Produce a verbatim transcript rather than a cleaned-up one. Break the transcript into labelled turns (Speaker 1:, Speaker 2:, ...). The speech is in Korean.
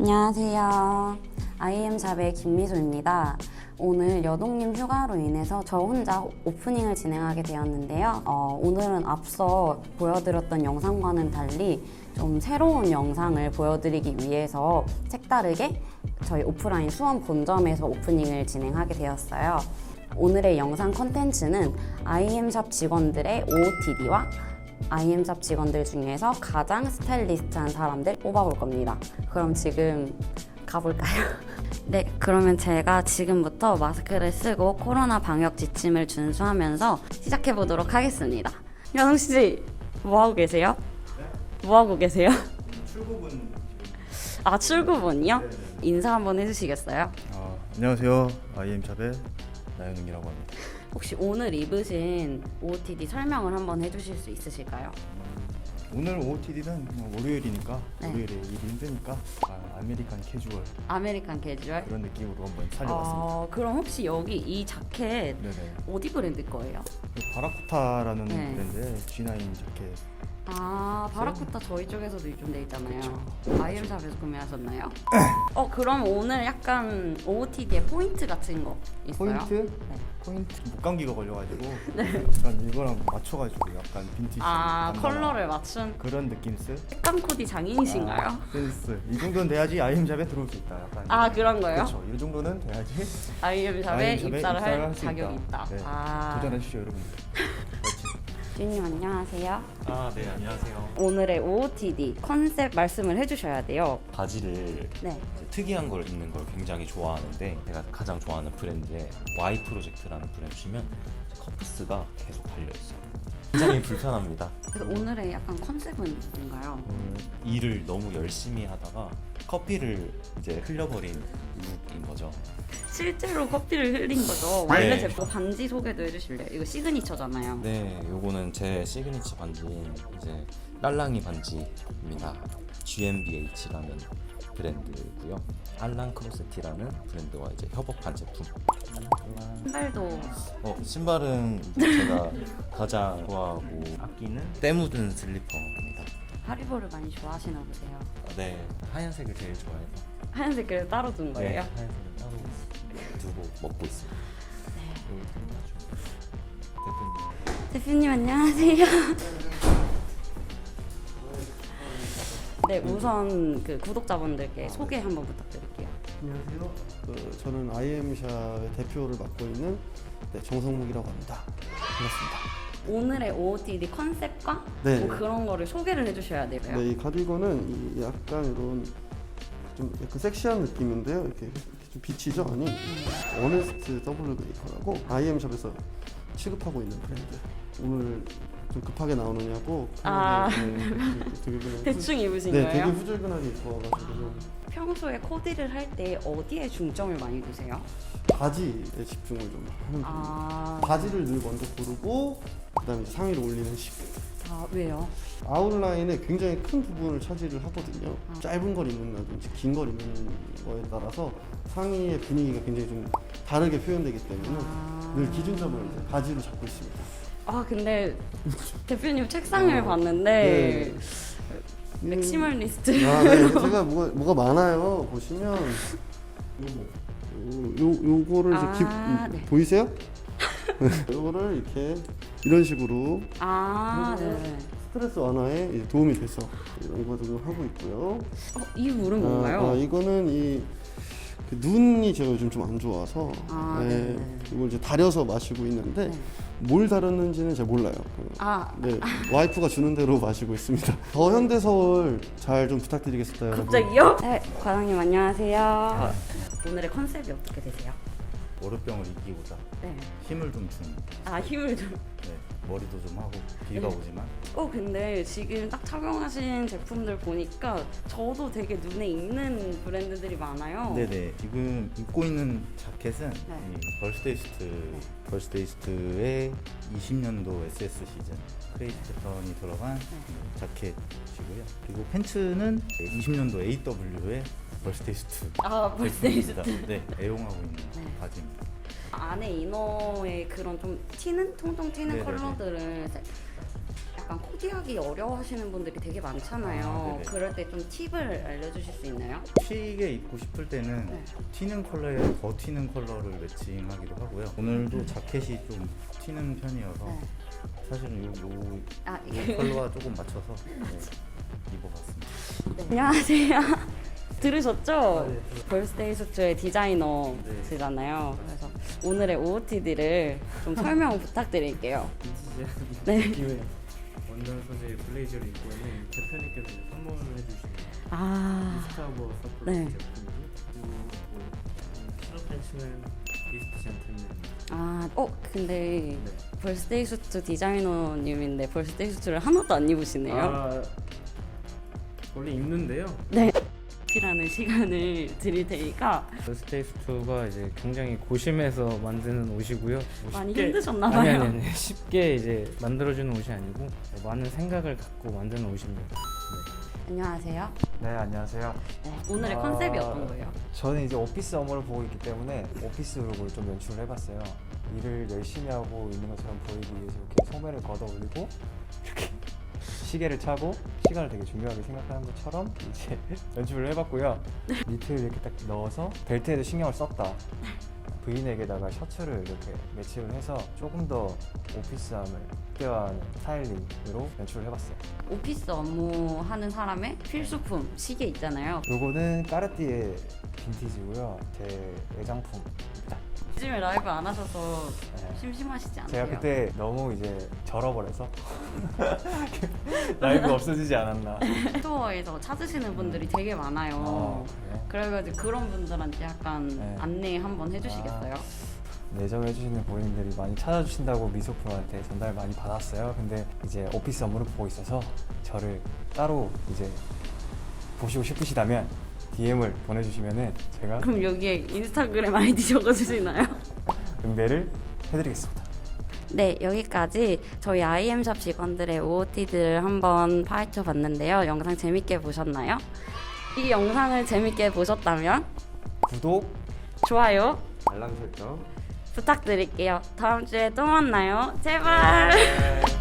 Speaker 1: 안녕하세요. 아이엠샵의 김미소입니다. 오늘 여동님 휴가로 인해서 저 혼자 오프닝을 진행하게 되었는데요. 어, 오늘은 앞서 보여드렸던 영상과는 달리 좀 새로운 영상을 보여드리기 위해서 색다르게 저희 오프라인 수원 본점에서 오프닝을 진행하게 되었어요. 오늘의 영상 컨텐츠는 아이엠샵 직원들의 오오티디와 아이엠샵 직원들 중에서 가장 스타일리스트한 사람들 뽑아볼 겁니다. 그럼 지금 가볼까요? 네, 그러면 제가 지금부터 마스크를 쓰고 코로나 방역 지침을 준수하면서 시작해보도록 하겠습니다. 연웅씨, 뭐하고 계세요?
Speaker 2: 네?
Speaker 1: 뭐하고 계세요?
Speaker 2: 출구분.
Speaker 1: 아, 출구분이요?
Speaker 2: 네네.
Speaker 1: 인사 한번 해주시겠어요?
Speaker 2: 아, 안녕하세요. 아이엠샵의 나연웅이라고 합니다.
Speaker 1: 혹시 오늘 입으신 오오티디 설명을 한번 해주실 수 있으실까요?
Speaker 2: 오늘 오오티디는 월요일이니까
Speaker 1: 네.
Speaker 2: 월요일에 일이 힘드니까 아, 아메리칸 캐주얼
Speaker 1: 아메리칸 캐주얼?
Speaker 2: 그런 느낌으로 한번 살려봤습니다.
Speaker 1: 어, 그럼 혹시 여기 이 자켓
Speaker 2: 네네.
Speaker 1: 어디 브랜드 거예요?
Speaker 2: 그 바라쿠타라는
Speaker 1: 네.
Speaker 2: 브랜드의 지 나인 자켓.
Speaker 1: 아, 바라쿠타 저희 쪽에서도 유통돼 있잖아요.
Speaker 2: 그쵸.
Speaker 1: 아이엠샵에서 구매하셨나요? 어, 그럼 오늘 약간 오오티디의 포인트 같은 거 있어요?
Speaker 2: 포인트?
Speaker 1: 네.
Speaker 2: 포인트 목감기가 걸려가지고 약간 이거랑 맞춰가지고 약간 빈티지
Speaker 1: 아,
Speaker 2: 감나라
Speaker 1: 컬러를 맞춘
Speaker 2: 그런 느낌스?
Speaker 1: 색감 코디 장인이신가요?
Speaker 2: 아, 센스. 이 정도는 돼야지 아이엠샵에 들어올 수 있다. 약간
Speaker 1: 아, 그런 거예요?
Speaker 2: 그렇죠. 이 정도는 돼야지
Speaker 1: 아이엠샵에
Speaker 2: 아이엠샵에
Speaker 1: 입사를 할
Speaker 2: 입사를 수
Speaker 1: 자격이 있다.
Speaker 2: 네.
Speaker 1: 아,
Speaker 2: 도전하시죠, 여러분들.
Speaker 1: 주님 안녕하세요.
Speaker 3: 아, 네, 안녕하세요.
Speaker 1: 오늘의 오오티디 컨셉 말씀을 해주셔야 돼요.
Speaker 3: 바지를
Speaker 1: 네.
Speaker 3: 이제 특이한 걸 입는 걸 굉장히 좋아하는데 제가 가장 좋아하는 브랜드의 Y 프로젝트라는 브랜드시면 커프스가 계속 달려있어요. 굉장히 불편합니다.
Speaker 1: 그래서 오늘의 약간 컨셉은 뭔가요?
Speaker 3: 음, 일을 너무 열심히 하다가 커피를 이제 흘려버린 룩인 거죠.
Speaker 1: 실제로 커피를 흘린 거죠. 원래
Speaker 3: 네.
Speaker 1: 제품 반지 소개도 해주실래요? 이거 시그니처잖아요.
Speaker 3: 네, 요거는 제 시그니처 반지인 이제 딸랑이 반지입니다. 지엠비에이치라는 브랜드고요. 알랑 크로세티라는 브랜드와 이제 협업한 제품.
Speaker 1: 신발도
Speaker 3: 어, 신발은 이제 제가 가장 좋아하고 아끼는 때 묻은 슬리퍼입니다.
Speaker 1: 하리보를 많이 좋아하시나 보세요.
Speaker 3: 네, 하얀색을 제일 좋아해서
Speaker 1: 하얀색 그래서 따로 둔
Speaker 3: 네,
Speaker 1: 거예요?
Speaker 3: 하얀색을 따로 두고 먹고 있습니다. 대표님.
Speaker 1: 대표님 안녕하세요. 네, 우선 그 구독자분들께 소개 한번 부탁드릴게요.
Speaker 4: 안녕하세요. 그, 저는 아이엠샵의 대표를 맡고 있는 네, 정성묵이라고 합니다. 반갑습니다.
Speaker 1: 오늘의 오오티디 컨셉과
Speaker 4: 네.
Speaker 1: 뭐 그런 거를 소개를 해주셔야 돼요.
Speaker 4: 네, 이 가디건은 이 약간 이런 좀 약간 섹시한 느낌인데요. 이렇게, 이렇게 좀 비치죠, 아니? 어네스트 더블 베이커라고 아이엠샵에서 취급하고 있는 브랜드. 오늘 좀 급하게 나오느냐고.
Speaker 1: 아.
Speaker 4: 네, 되게 그냥
Speaker 1: 대충 입으신
Speaker 4: 네,
Speaker 1: 거예요?
Speaker 4: 되게 후줄근하게 입어가지고 좀
Speaker 1: 평소에 코디를 할 때 어디에 중점을 많이 두세요?
Speaker 4: 바지에 집중을 좀 하는 편입니다.
Speaker 1: 아,
Speaker 4: 바지를 늘 먼저 고르고 그다음에 이제 상의를 올리는 식.
Speaker 1: 아 왜요?
Speaker 4: 아웃라인에 굉장히 큰 부분을 차지를 하거든요. 짧은 걸 입는다든지 긴 걸 입는 거에 따라서 상의의 분위기가 굉장히 좀 다르게 표현되기 때문에
Speaker 1: 아.
Speaker 4: 늘 기준점을 이제 바지로 잡고 있습니다.
Speaker 1: 아 근데 대표님 책상을
Speaker 4: 어,
Speaker 1: 봤는데
Speaker 4: 네.
Speaker 1: 맥시멀리스트.
Speaker 4: 아, 네. 제가 뭐가, 뭐가 많아요. 보시면 요, 요, 요거를 이제 기,
Speaker 1: 아, 네.
Speaker 4: 보이세요? 요거를 이렇게 이런 식으로
Speaker 1: 아, 네.
Speaker 4: 스트레스 완화에 이제 도움이 돼서 이런 거 좀 하고 있고요.
Speaker 1: 어, 이 물은 뭔가요?
Speaker 4: 아, 아, 이거는 이 그 눈이 제가 요즘 좀 안 좋아서
Speaker 1: 아,
Speaker 4: 네,
Speaker 1: 네네.
Speaker 4: 이걸 이제 다려서 마시고 있는데
Speaker 1: 네.
Speaker 4: 뭘 다렸는지는 잘 몰라요. 그,
Speaker 1: 아,
Speaker 4: 네, 와이프가 주는 대로 마시고 있습니다. 더 현대서울 잘 좀 부탁드리겠습니다, 여러분.
Speaker 1: 갑자기요? 네, 과장님 안녕하세요. 오늘의 컨셉이 어떻게 되세요?
Speaker 2: 월요병을 이기고자
Speaker 1: 네.
Speaker 2: 힘을 좀 주는.
Speaker 1: 아 힘을 좀.
Speaker 2: 네, 머리도 좀 하고 비가
Speaker 1: 네.
Speaker 2: 오지만
Speaker 1: 어 근데 지금 딱 착용하신 제품들 보니까 저도 되게 눈에 익는 브랜드들이 많아요.
Speaker 2: 네네. 지금 입고 있는 자켓은
Speaker 1: 네.
Speaker 2: 이 벌스데이스트 벌스데이스트의 이십 년도 에스에스 시즌 크레이지 패턴이 들어간 이 자켓이고요. 그리고 팬츠는 이십 년도 에이더블유의 벌스데이스트
Speaker 1: 아 벌스데이스트.
Speaker 2: 제품입니다. 네, 애용하고 있는
Speaker 1: 네.
Speaker 2: 바지입니다.
Speaker 1: 안에 이너의 그런 좀 튀는 통통 튀는
Speaker 2: 네네네.
Speaker 1: 컬러들을 세- 약간 코디하기 어려워하시는 분들이 되게 많잖아요.
Speaker 2: 아, 네네.
Speaker 1: 그럴 때 좀 팁을 알려주실 수 있나요?
Speaker 2: 튀게 입고 싶을 때는
Speaker 1: 네.
Speaker 2: 튀는 컬러에 더 튀는 컬러를 매칭하기도 하고요. 오늘도 자켓이 좀 튀는 편이어서
Speaker 1: 네.
Speaker 2: 사실은 요, 요,
Speaker 1: 아,
Speaker 2: 요
Speaker 1: 이게
Speaker 2: 컬러와 조금 맞춰서 네, 입어봤습니다.
Speaker 1: 네. 안녕하세요. 들으셨죠?
Speaker 5: 아, 네.
Speaker 1: 벌스데이 수트의 디자이너시잖아요. 그래서 오늘의 오오티디를 좀 설명 부탁드릴게요.
Speaker 5: 빈티지한
Speaker 1: 네.
Speaker 5: 느낌의 원단 소재의 블레이저를 입고 있는 대표님께서 이제 선물을 해주신
Speaker 1: 아,
Speaker 5: 미스타버 서플
Speaker 1: 네.
Speaker 5: 제품이고 그리고 뭐 실업 팬츠는 이스트 젠틀맨.
Speaker 1: 아, 어, 근데
Speaker 5: 네.
Speaker 1: 벌스데이 수트 디자이너님인데 벌스데이 수트를 하나도 안 입으시네요.
Speaker 5: 아 원래 입는데요.
Speaker 1: 네. 라는 시간을 드릴 테니까
Speaker 5: 스테이 수트가 이제 굉장히 고심해서 만드는 옷이고요. 뭐
Speaker 1: 많이
Speaker 5: 쉽게-
Speaker 1: 힘드셨나
Speaker 5: 아니,
Speaker 1: 봐요.
Speaker 5: 아니 아니 쉽게 이제 만들어주는 옷이 아니고 많은 생각을 갖고 만드는 옷입니다.
Speaker 1: 안녕하세요.
Speaker 6: 네, 안녕하세요.
Speaker 1: 네, 오늘의
Speaker 6: 아,
Speaker 1: 컨셉이 어떤 거예요?
Speaker 6: 저는 이제 오피스 업무를 보고 있기 때문에 오피스 룩을 좀 연출을 해봤어요. 일을 열심히 하고 있는 것처럼 보이기 위해서 이렇게 소매를 걷어 올리고 이렇게 시계를 차고 시간을 되게 중요하게 생각하는 것처럼 이제 연출을 해봤고요. 니트를 이렇게 딱 넣어서 벨트에도 신경을 썼다. 브이넥에다가 셔츠를 이렇게 매칭을 해서 조금 더 오피스함을 극대화하는 스타일링으로 연출을 해봤어요.
Speaker 1: 오피스 업무 하는 사람의 필수품 시계 있잖아요.
Speaker 6: 요거는 까르띠에 빈티지고요. 제 애장품입니다.
Speaker 1: 요즘에 라이브 안 하셔서
Speaker 6: 네.
Speaker 1: 심심하시지 않으세요?
Speaker 6: 제가 그때 너무 이제 절어버려서 라이브 없어지지 않았나.
Speaker 1: 스토어에서 찾으시는 분들이 되게 많아요.
Speaker 6: 아, 그래요?
Speaker 1: 그래가지고 그런 분들한테 약간
Speaker 6: 네.
Speaker 1: 안내 한번 해주시겠어요?
Speaker 6: 내정해주시는 고객님들이 많이 찾아주신다고 미소품한테 전달 많이 받았어요. 근데 이제 오피스 업무를 보고 있어서 저를 따로 이제 보시고 싶으시다면 디엠을 보내주시면은 제가
Speaker 1: 그럼 여기에 인스타그램 아이디 적어주시나요?
Speaker 6: 응대를 해드리겠습니다.
Speaker 1: 네, 여기까지 저희 아이엠샵 직원들의 오오티들을 한번 파헤쳐 봤는데요. 영상 재밌게 보셨나요? 이 영상을 재밌게 보셨다면
Speaker 6: 구독,
Speaker 1: 좋아요
Speaker 6: 알람 설정
Speaker 1: 부탁드릴게요. 다음 주에 또 만나요. 제발!